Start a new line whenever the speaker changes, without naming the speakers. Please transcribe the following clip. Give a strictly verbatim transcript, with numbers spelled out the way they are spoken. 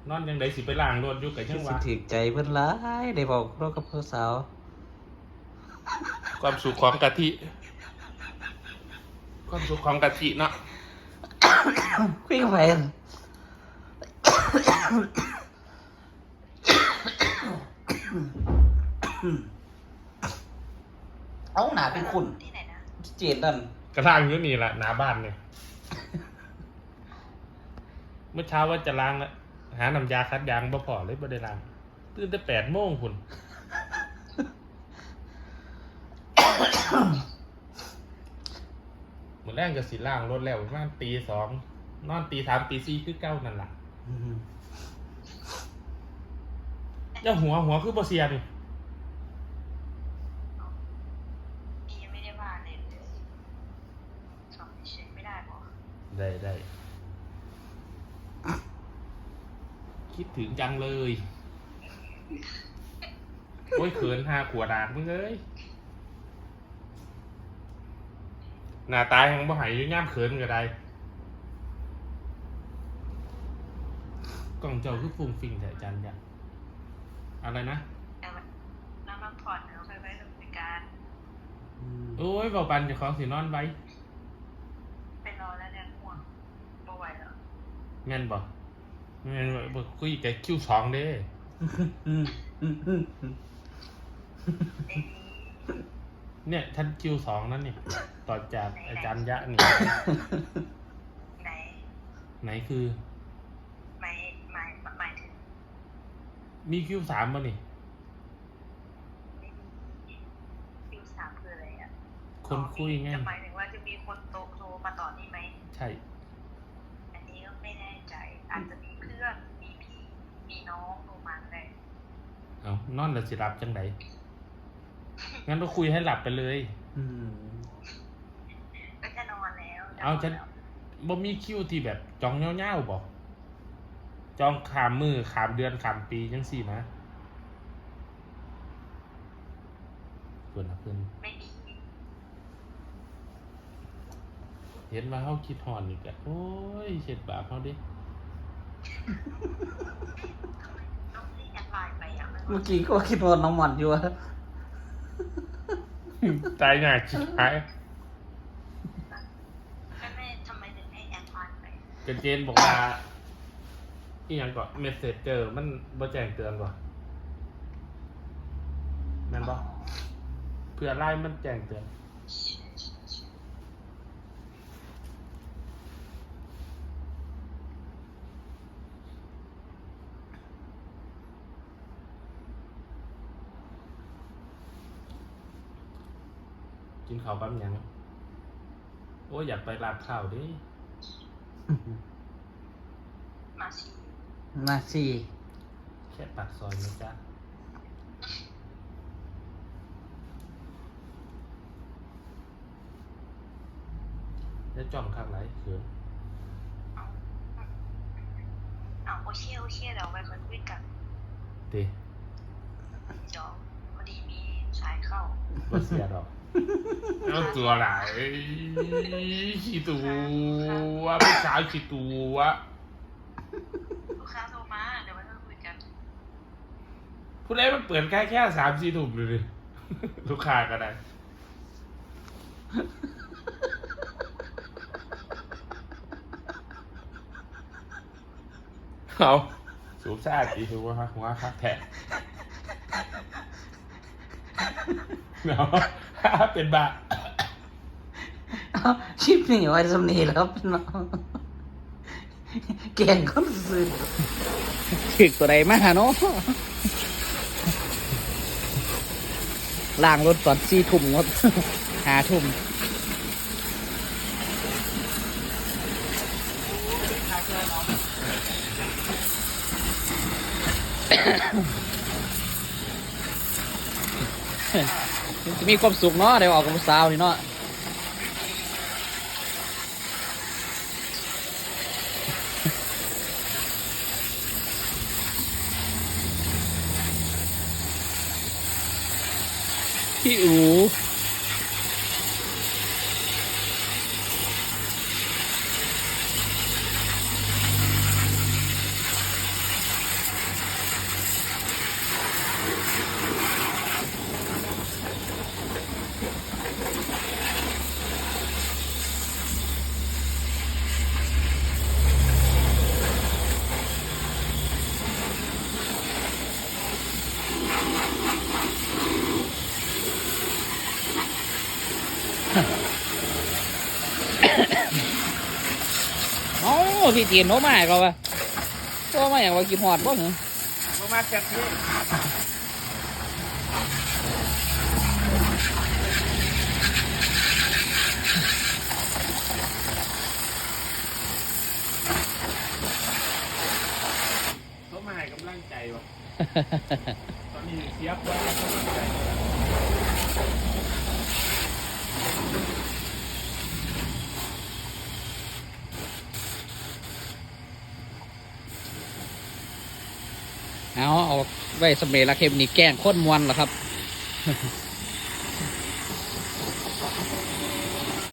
นอนยังไดสิไปล้างรถอยู่กับยังว่า
ถือใจเพิ่นร้ายได้บอกเรากับผู้สาว
ความสุขของกะทิความสุขของกะทิเนาะ
คุยกันไปเอาหนาเป็นคุณที่ไหนนะเจนนั่น
กระล้างอยู่นี่แหละหน้าบ้านเนี่ยเมื่อเช้าว่าจะล้างแล้วหาน้ำยาคัดยางบ่พอเลยบ่ได้ล้างตื่นแต่แปดโมงคุณเหมือนแรกก็สิล้างรถแล้วประมาณตีสองนอนตีสามตีสี่คือเก้านั่นแหละเจ้าหัวหัวคือบ่เสียนี่
ยังไม่ได้ว่าเลยสอบเฉยไม่ได้หรอ
ได้ได้คิดถึงจังเลยโอ้ยเขินห้าขวดาดมึงเอ้ยหน้าตายของบ่หายย่ามเขินก็ได้กล่องเจ้าคือฟุ้งฟิ้งแต่จันยักอะไรนะ
น้ำมันผ่อนเราเคยไปทำการ
โอ้ยบอกปันจะของสีนอนไว้
ไปรอแล้วเนี่ยห่วงบ่ไหวแล้ว
แม่นบอกแม่นบอกคุยแต่คิวสองเด้เนี่ยท่านคิวสองนั่นนี่ต่อจากอาจารย์ยะนี่
ไหน
ไหนคือ
หมายหมายหมายถึง
มีคิวสามป่ะนี่
คิวสามคืออะไรอ่ะ
คนคุยไง
จะหมายถึงว่าจะมีคนโตโทรมาต่อนี่ไหม
ใช่
อันนี้ก็ไม่แน่ใจอาจจะมีเพื่อนมีพี่มีน้องโทรมาได้
เอานอนแล้วสิรับจังไดงั้นก็คุยให้หลับไปเลย
ก็จะนอนแล้ว
เอาฉันบ่มีคิวที่แบบจองเง่าๆบ่จองขามมือขามเดือนขามปีจังสี่นะเพื่อนนะเพื่อน
ไม่มี
เห็นว่าเขาคิดหอนอีกอะโอ้ยเช็ดบาปเขาดิ
เมื่อกี้ก็คิดว่าน้องหมันอยู่อะ
ตายหนักชิบหาย
แม่ทำไมถึงให้แอดไลน์ไป
เจนเจนบอกว่าอีหยังก่อนเมสเซจเจอมันบ่แจ้งเตือนก่อนแม่นบ่เพื่อไล่มันแจ้งเตือนกินข้าวปั๊มยังโอ้ยอยากไปร้านข้าวดิ
มาสิ
มาสิ
แค่ปากซอยนะจ๊ะแล้วจอมข้างไหนเขิน
เอาโอเชี่ยโอเชี่ยเดี๋ยวไปค่อยคุยกัน
ดิ
เดี๋ยวพอดีมีสายเข้า
บ่เสียดอกเอาตัวไหนขี้ตัวผู้ชายขี้ตัว
ลูกค้าโทรมาเดี๋ยวไปค่อยคุยกัน
ผู้ใดมันเปิดแค่แค่สามสี่ถุงเลยลูกค้าก็ได้เอาสูบซ่าจีถือว่าหัวคักแทะเนาะเป็นบา
ชิปนี่ไว้สำนีแล้วเป็นน้องแกงก็ซื้อถึกตัวใดมาเนาะล้างรถตอนสี่ทุ่มงดหาทุ่มจะมีความสุขเนาะเดี๋ยวออกกับสาวนี่เนาะพี่อูพี่จีนโน้มาให้เขาปะโน้มาอย่างว่ากินหอดบ่เหรอ
มามาจัดที่เขามาให้กำลังใจวะ ตอนนี้เสียบไว้กำลังใจ
เอาเอาไว้สำเร็จละเข็มนี่แกล้งโคตรมวนเหรอครับ